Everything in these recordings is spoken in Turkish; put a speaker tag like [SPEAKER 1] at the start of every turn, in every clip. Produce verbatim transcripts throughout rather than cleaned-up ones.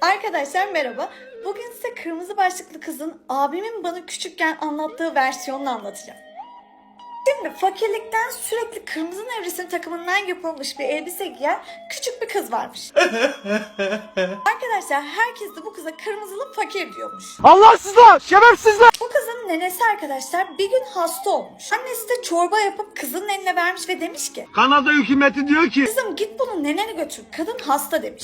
[SPEAKER 1] Arkadaşlar merhaba. Bugün size kırmızı başlıklı kızın abimin bana küçükken anlattığı versiyonunu anlatacağım. Şimdi fakirlikten sürekli kırmızı nevresim takımından yapılmış bir elbise giyen küçük bir kız varmış. Arkadaşlar herkes de bu kıza kırmızılı fakir diyormuş.
[SPEAKER 2] Allahsızlar, şerefsizler.
[SPEAKER 1] Bu kızın nenesi arkadaşlar bir gün hasta olmuş. Annesi de çorba yapıp kızın eline vermiş ve demiş ki
[SPEAKER 2] Kanada hükümeti diyor ki
[SPEAKER 1] kızım git bunu nenene götür, kadın hasta demiş.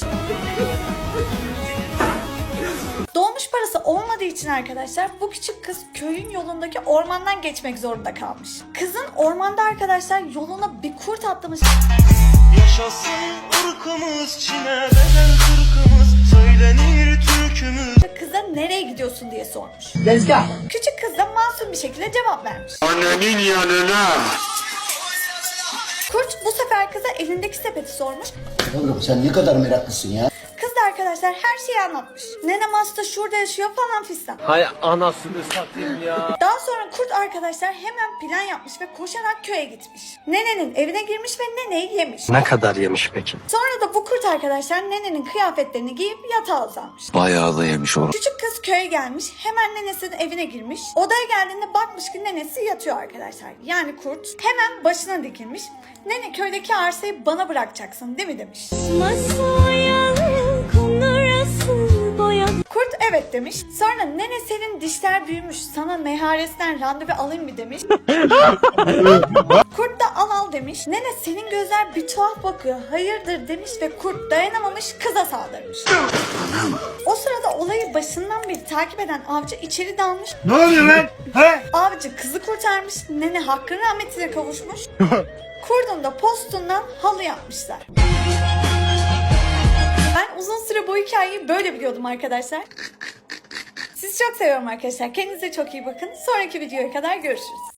[SPEAKER 1] Dolmuş parası olmadığı için arkadaşlar bu küçük kız köyün yolundaki ormandan geçmek zorunda kalmış. Kızın ormanda arkadaşlar yoluna bir kurt atlamış.
[SPEAKER 3] Yaşasın ırkımız, Çin'e bedel kırkımız, söylenir türkümüz.
[SPEAKER 1] Kıza nereye gidiyorsun diye sormuş.
[SPEAKER 2] Tezgah.
[SPEAKER 1] Küçük kız da masum bir şekilde cevap vermiş.
[SPEAKER 2] Annenin yanına.
[SPEAKER 1] Kurt bu sefer kıza elindeki sepeti sormuş.
[SPEAKER 4] Oğlum sen ne kadar meraklısın ya.
[SPEAKER 1] Kız da arkadaşlar her şeyi anlatmış. Nenem hasta şurada yaşıyor falan fistan.
[SPEAKER 2] Hay anasını satayım ya.
[SPEAKER 1] Daha sonra kurt arkadaşlar hemen plan yapmış ve koşarak köye gitmiş. Nenenin evine girmiş ve neneyi yemiş.
[SPEAKER 2] Ne kadar yemiş peki?
[SPEAKER 1] Sonra da bu kurt arkadaşlar nenenin kıyafetlerini giyip yatağa uzanmış.
[SPEAKER 5] Bayağı da yemiş onu.
[SPEAKER 1] Küçük kız köye gelmiş, hemen nenesinin evine girmiş. Odaya geldiğinde bakmış ki nenesi yatıyor arkadaşlar. Yani kurt hemen başına dikilmiş. Nene köydeki arsayı bana bırakacaksın değil mi demiş. Kurt evet demiş. Sonra nene senin dişler büyümüş, sana meharesinden randevu alayım mı demiş. Kurt da al al demiş. Nene senin gözler bir tuhaf bakıyor, hayırdır demiş ve kurt dayanamamış kıza saldırmış. O sırada olayı başından beri takip eden avcı içeri dalmış.
[SPEAKER 2] Ne oluyor lan? He?
[SPEAKER 1] Avcı kızı kurtarmış, nene hakkın rahmetine kavuşmuş. Kurdun da postundan halı yapmışlar. Ben uzun süre bu hikayeyi böyle biliyordum arkadaşlar. Sizi çok seviyorum arkadaşlar. Kendinize çok iyi bakın. Sonraki videoya kadar görüşürüz.